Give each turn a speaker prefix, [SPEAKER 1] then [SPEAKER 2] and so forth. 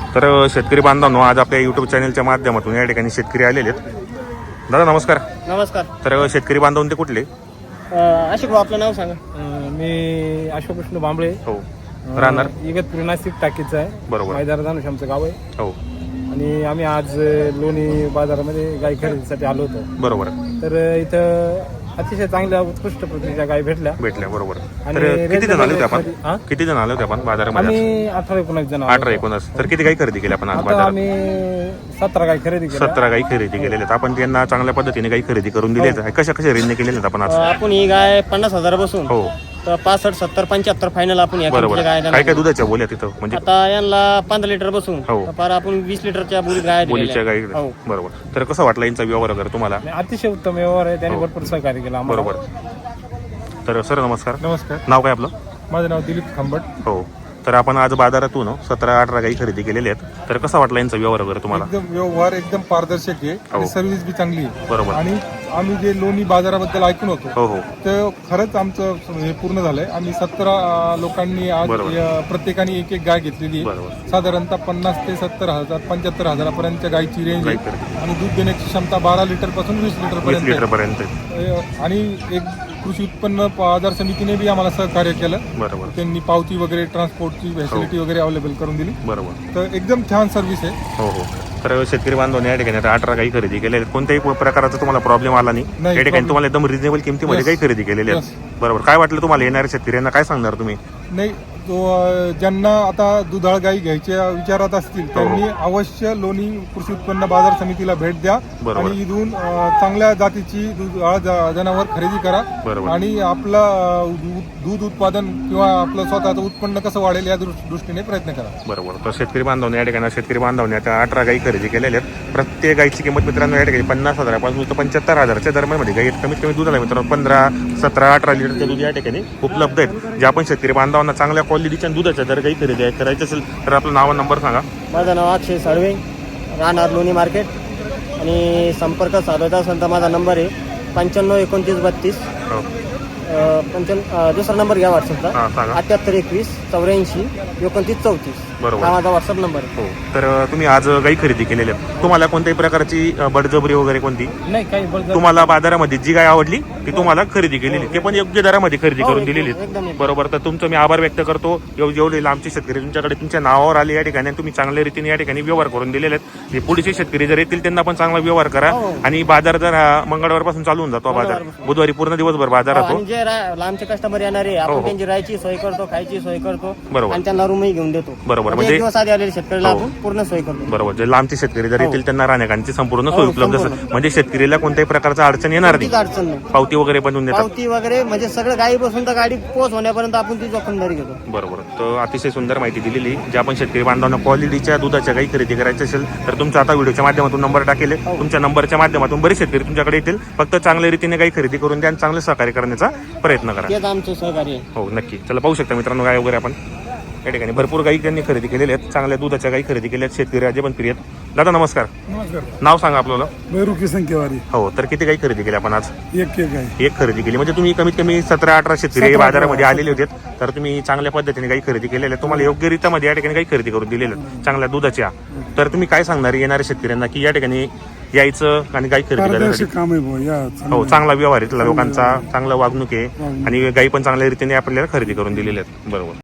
[SPEAKER 1] तर शेतकरी बांधवांनो, आज आपल्या यूट्यूब चॅनलच्या माध्यमातून या ठिकाणी शेतकरी आलेले आहेत. दादा नमस्कार.
[SPEAKER 2] नमस्कार.
[SPEAKER 1] तर शेतकरी बांधव ते कुठले?
[SPEAKER 2] अशोक भाऊ, आपलं नाव सांगा.
[SPEAKER 3] मी अशोक कृष्ण बांबळे.
[SPEAKER 1] हो. राहणार
[SPEAKER 3] इगतपुरी नाशिक टाकीचं आहे.
[SPEAKER 1] बरोबर.
[SPEAKER 3] मैदार धानुष आमचं गाव आहे.
[SPEAKER 1] हो.
[SPEAKER 3] आणि आम्ही आज लोणी बाजारामध्ये गाय खरेदीसाठी आलो होतो.
[SPEAKER 1] बरोबर.
[SPEAKER 3] तर इथं अतिशय चांगल्या उत्कृष्ट प्रतीच्या गाय भेटल्या.
[SPEAKER 1] बरोबर.
[SPEAKER 3] आणि
[SPEAKER 1] तर किती जण आले होते आपण?
[SPEAKER 3] हा?
[SPEAKER 1] किती जण आले होते आपण बाजारामध्ये?
[SPEAKER 3] आम्ही 18-19 जण आलो.
[SPEAKER 1] 18-19. तर किती गाई खरेदी केली आपण आज
[SPEAKER 3] आता
[SPEAKER 1] बाजारात?
[SPEAKER 3] आम्ही 17 गाय खरेदी केल्या.
[SPEAKER 1] 17 गाई खरेदी केलेल्या आहेत. आपण त्यांना चांगल्या पद्धतीने गाई खरेदी करून दिली आहे. कशा कशा रेंजने केलेल्या आहेत आपण आज?
[SPEAKER 2] आपण ही गाय 50,000 बसून
[SPEAKER 1] हो.
[SPEAKER 2] तर 65, 70, 75 फायनल आपण या
[SPEAKER 1] बरोबर.
[SPEAKER 2] गाय
[SPEAKER 1] काय काय दुधाच्या बोल्या तिथं म्हणजे?
[SPEAKER 2] आता यांना 15 लिटर बसून
[SPEAKER 1] हो.
[SPEAKER 2] तर फार आपण 20 लिटरच्या बोलीत गाय
[SPEAKER 1] बोलीच्या गाई.
[SPEAKER 2] हो.
[SPEAKER 1] बरोबर. तर कसं वाटलं यांचा व्यवहार वगैरे तुम्हाला?
[SPEAKER 3] आणि अतिशय उत्तम व्यवहार आहे. त्यांनी भरपूर सहकार्य केलं आम्हाला.
[SPEAKER 1] बरोबर. तर सर नमस्कार.
[SPEAKER 3] नमस्कार.
[SPEAKER 1] नाव काय आपलं?
[SPEAKER 3] माझं नाव दिलीप खांबट.
[SPEAKER 1] हो. तर आपण आज बाजारातून 17-18 गाई खरेदी केलेल्या आहेत. तर कसा वाटला यांचा व्यवहार वगैरे तुम्हाला?
[SPEAKER 4] एकदम व्यवहार एकदम पारदर्शक आहे आणि सर्व्हिस बी चांगली आहे.
[SPEAKER 1] बरोबर.
[SPEAKER 4] आणि आम्ही जे लोणी बाजाराबद्दल ऐकून होतो
[SPEAKER 1] हो हो.
[SPEAKER 4] तर खरंच आमचं हे पूर्ण झालंय. आम्ही 17 लोकांनी आज
[SPEAKER 1] बरोबर.
[SPEAKER 4] प्रत्येकाने एक गाय घेतलेली आहे.
[SPEAKER 1] बरोबर.
[SPEAKER 4] साधारणतः 50 ते 70,000 75,000 पर्यंतच्या गायची रेंज
[SPEAKER 1] गाई
[SPEAKER 4] आहे.
[SPEAKER 1] खरेदी.
[SPEAKER 4] आणि दूध देण्याची क्षमता 12 लिटर पासून 20 लिटर
[SPEAKER 1] 20
[SPEAKER 4] पर्यंत
[SPEAKER 1] लिटर
[SPEAKER 4] आहे.
[SPEAKER 1] पर्यंत.
[SPEAKER 4] आणि एक कृषी उत्पन्न बाजार समितीने बी आम्हाला सहकार्य केलं.
[SPEAKER 1] बरोबर.
[SPEAKER 4] त्यांनी पावती वगैरे ट्रान्सपोर्टची फॅसिलिटी वगैरे अवेलेबल करून दिली.
[SPEAKER 1] बरोबर.
[SPEAKER 4] तर एकदम छान सर्व्हिस आहे.
[SPEAKER 1] हो हो. तर शेतकरी बांधवांनी या ठिकाणी आता 18 गाई खरेदी केलेल्या आहेत. कोणत्याही प्रकारचा तुम्हाला प्रॉब्लेम आला नाही.
[SPEAKER 4] नाही,
[SPEAKER 1] या ठिकाणी
[SPEAKER 4] problem.
[SPEAKER 1] तुम्हाला एकदम रिजनेबल किमतीमध्ये
[SPEAKER 4] Yes.
[SPEAKER 1] गाई खरेदी केलेल्या आहेत. बरोबर. काय वाटलं तुम्हाला? येणाऱ्या शेतकऱ्यांना काय सांगणार तुम्ही?
[SPEAKER 4] नाही, तो ज्यांना आता दुधाळ गाई घ्यायच्या विचारात असतील त्यांनी अवश्य लोणी कृषी उत्पन्न बाजार समितीला भेट द्या.
[SPEAKER 1] बरोबर.
[SPEAKER 4] आणि इथून चांगल्या जातीची दुधाळ जनावर खरेदी करा.
[SPEAKER 1] बरोबर.
[SPEAKER 4] आणि आपलं दूध उत्पादन किंवा आपलं स्वतःचं उत्पन्न कसं वाढेल या दृष्टीने प्रयत्न करा.
[SPEAKER 1] बरोबर. तर शेतकरी बांधवांनी या ठिकाणी आता 18 गाई खरेदी केलेल्या आहेत. प्रत्येक गाईची किंमत मित्रांनो या ठिकाणी 50,000पासून तर 75,000च्या दरम्यानमध्ये गाई कमीत कमी दूध आहे मित्रांनो. 15, 17, 18 लिटरचे दूध या ठिकाणी उपलब्ध आहेत. जे आपण शेतकरी बांधवांना चांगल्या क्वालिटीच्या दुधाच्या जर काही खरेदी करायची असेल तर आपलं नाव आणि नंबर सांगा.
[SPEAKER 2] माझं नाव अक्षय साळवे, राहणार लोणी मार्केट. आणि संपर्क साधायचा असेल तर माझा नंबर आहे 95 29 32.
[SPEAKER 1] हो.
[SPEAKER 2] दुसरा नंबर घ्या व्हॉट्सअपचा.
[SPEAKER 1] हां सांगा.
[SPEAKER 2] 78 21 84 29 34.
[SPEAKER 1] बरोबर.
[SPEAKER 2] हा माझा व्हॉट्सअप नंबर आहे.
[SPEAKER 1] हो. तर तुम्ही आज गाई खरेदी केलेल्या आहेत. तुम्हाला कोणत्याही प्रकारची बळजबरी वगैरे कोणती?
[SPEAKER 3] नाही काही बळजबरी.
[SPEAKER 1] तुम्हाला बाजारामध्ये जी गाय आवडली ती तुम्हाला खरेदी केलेली, ते पण योग्य दरामध्ये खरेदी
[SPEAKER 2] हो,
[SPEAKER 1] करून
[SPEAKER 2] एकदम-
[SPEAKER 1] दिलेली.
[SPEAKER 2] एकदम.
[SPEAKER 1] बरोबर. तर तुमचं मी आभार व्यक्त करतो. जेवढे लांबचे शेतकरी तुमच्याकडे तुमच्या नावावर आले या ठिकाणी, तुम्ही चांगल्या रीतीने या ठिकाणी व्यवहार करून दिलेले आहेत. जे पुढचे शेतकरी जर येतील त्यांना पण चांगला व्यवहार करा.
[SPEAKER 2] हो.
[SPEAKER 1] आणि बाजार जर मंगळवार पासून चालू होऊन जातो बाजार.
[SPEAKER 2] मंगळवारपासून.
[SPEAKER 1] बुधवारी पूर्ण दिवसभर बाजार
[SPEAKER 2] हो,
[SPEAKER 1] राहतो.
[SPEAKER 2] आणि जे लांबचे कस्टमर येणारे
[SPEAKER 1] हो,
[SPEAKER 2] आपण
[SPEAKER 1] हो.
[SPEAKER 2] त्यांची राहायची सोय करतो, खायची सोय करतो.
[SPEAKER 1] बरोबर.
[SPEAKER 2] आणि त्यांना रूमही घेऊन देतो.
[SPEAKER 1] बरोबर.
[SPEAKER 2] म्हणजे एक दिवस आधी आलेले शेतकऱ्याला
[SPEAKER 1] हो.
[SPEAKER 2] आपण पूर्ण सोय करतो.
[SPEAKER 1] बरोबर. जे लांबचे शेतकरी जर
[SPEAKER 2] हो.
[SPEAKER 1] येतील त्यांना राहण्याची संपूर्ण सोय
[SPEAKER 2] हो,
[SPEAKER 1] उपलब्ध असेल.
[SPEAKER 2] संपूर्ण.
[SPEAKER 1] म्हणजे शेतकरीला कोणत्याही प्रकारचा अडचण येणार
[SPEAKER 2] कोणतीच
[SPEAKER 1] नाही.
[SPEAKER 2] अडचण नाही.
[SPEAKER 1] पावती वगैरे बनवून देतात.
[SPEAKER 2] पावती वगैरे म्हणजे सगळं गाडी बसून तर गाडी पोहोच होण्यापर्यंत आपण ती जोखमदारी घेतो.
[SPEAKER 1] बरोबर. तर अतिशय सुंदर माहिती दिलेली. जे आपण शेतकरी बांधवांना क्वालिटीच्या दुधाच्या गाई खरेदी करायची असेल तर तुमचा आता व्हिडिओच्या माध्यमातून नंबर टाकेल. तुमच्या नंबरच्या माध्यमातून बरेच शेतकरी तुमच्याकडे येतील. फक्त चांगल्या रीतीने गाई खरेदी करून द्या आणि चांगले सहकार्य करण्याचा प्रयत्न करा.
[SPEAKER 2] तेच आमचं सहकार्य आहे.
[SPEAKER 1] हो नक्की. चला पाहू शकता मित्रांनो गाय वगैरे आपण या ठिकाणी भरपूर गाई त्यांनी खरेदी केलेल्या आहेत. चांगल्या दुधाच्या गाई खरेदी केल्या आहेत. शेतकरी राजे पण प्रिय आहेत. दादा नमस्कार.
[SPEAKER 4] नमस्कार.
[SPEAKER 1] नाव सांगा आपल्याला.
[SPEAKER 4] बैरुकी संख्येवारी
[SPEAKER 1] हो. तर किती गाई खरेदी केली आपण आज?
[SPEAKER 4] एक आहे.
[SPEAKER 1] एक खरेदी केली. म्हणजे तुम्ही कमीत कमी 17-18 शेतकरी बाजारामध्ये आलेले होते. तर तुम्ही चांगल्या पद्धतीने गाई खरेदी केलेल्या आहेत. तुम्हाला योग्य रीतीमध्ये या ठिकाणी गाई खरेदी करून दिलेल्या आहेत चांगल्या दुधाच्या. तर तुम्ही काय सांगणार येणाऱ्या शेतकऱ्यांना की या ठिकाणी यायचं आणि गाई खरेदी करण्यासाठी?
[SPEAKER 4] काम आहे
[SPEAKER 1] हो. चांगला व्यवहार आहे लोकांचा, चांगला वागणूक आहे आणि गाई पण चांगल्या रीतीने आपल्याला खरेदी करून दिलेल्या आहेत. बरोबर.